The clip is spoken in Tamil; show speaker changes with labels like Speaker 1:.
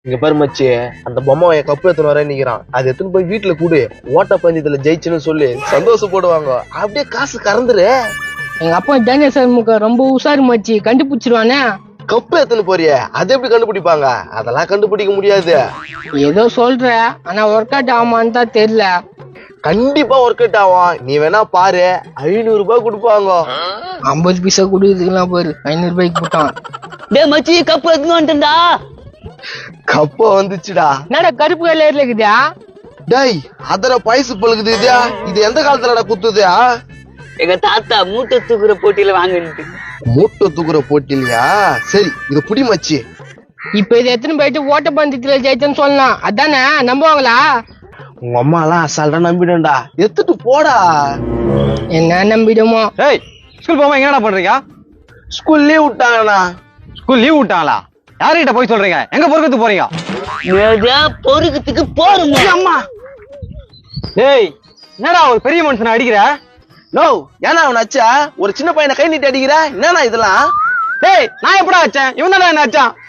Speaker 1: இங்க பாரு மச்சி, அந்த பொம்மை என் கப்பு எத்தனை வர நிக்கிறான். அது எத்தனை போய் வீட்டுல கூடு, ஓட்ட பந்தயத்துல ஜெயிச்சுன்னு சொல்லி சந்தோஷப்படுவாங்க. அப்படியே காசு கறந்துரு.
Speaker 2: எங்க அப்பா டேனியல் சண்முக ரொம்ப உஷாரு மச்சி, கண்டுபிடிச்சிருவானே.
Speaker 1: கப்பு எத்தனை போறிய, அது எப்படி கண்டுபிடிப்பாங்க? அதெல்லாம் கண்டுபிடிக்க முடியாது.
Speaker 2: ஏதோ சொல்ற, ஆனா ஒர்க் அவுட் ஆமான்னு தான் தெரியல.
Speaker 1: கண்டிப்பா ஒர்க் அவுட் ஆகும். நீ வேணா பாரு, 500 ரூபாய் கொடுப்பாங்க.
Speaker 2: 50 பைசா கொடுக்குறதுக்கெல்லாம் பாரு 500 ரூபாய்க்கு போட்டான்.
Speaker 3: டே மச்சி, கப்பு எடுத்துன்னு வந்துட்டா.
Speaker 1: கப்ப வந்துச்சுடா.
Speaker 2: என்னடா கருப்பு கலர்ல இருக்குதா?
Speaker 1: டேய், அதர பைசு பழுகுது. இது எந்த காலத்துலடா குத்துது?
Speaker 3: எங்க தாத்தா மூட்டை தூக்குற போட்டியில வாங்கிட்டு.
Speaker 1: மூட்டை தூக்குற போட்டிலையா? சரி, இது புடி மச்சி.
Speaker 2: இப்ப இது எத்தனை போயிட்டு ஓட்ட பந்தயத்துல ஜெயிச்சேன்னு சொல்லலாம், அதானே? நம்புவாங்களா?
Speaker 1: உங்க அம்மா எல்லாம் அசால்ட்டா நம்பிடும்டா. எடுத்துட்டு போடா.
Speaker 2: என்ன நம்பிடுமோ?
Speaker 4: ஏய், ஸ்கூல் போகாம என்னடா பண்றீங்க?
Speaker 1: ஸ்கூல் லீவ் விட்டாங்கண்ணா.
Speaker 4: ஸ்கூல் லீவ் விட்டாங்களா? யார்கிட்ட போய் சொல்றீங்க? எங்க பொறுக்கத்து போறீங்க?
Speaker 3: பொறுக்கத்துக்கு போறோம்.
Speaker 4: அம்மா, ஏய், என்னடா ஒரு பெரிய மனுஷனை அடிக்கிற?
Speaker 1: நோ, ஏன்னா அவன் அச்சா ஒரு சின்ன பையனை கை நீட்டி அடிக்கிற? என்னண்ணா இதெல்லாம்?
Speaker 4: ஏய், நான் எப்படா வச்சேன்? இவன் தானே என்ன அச்சான்?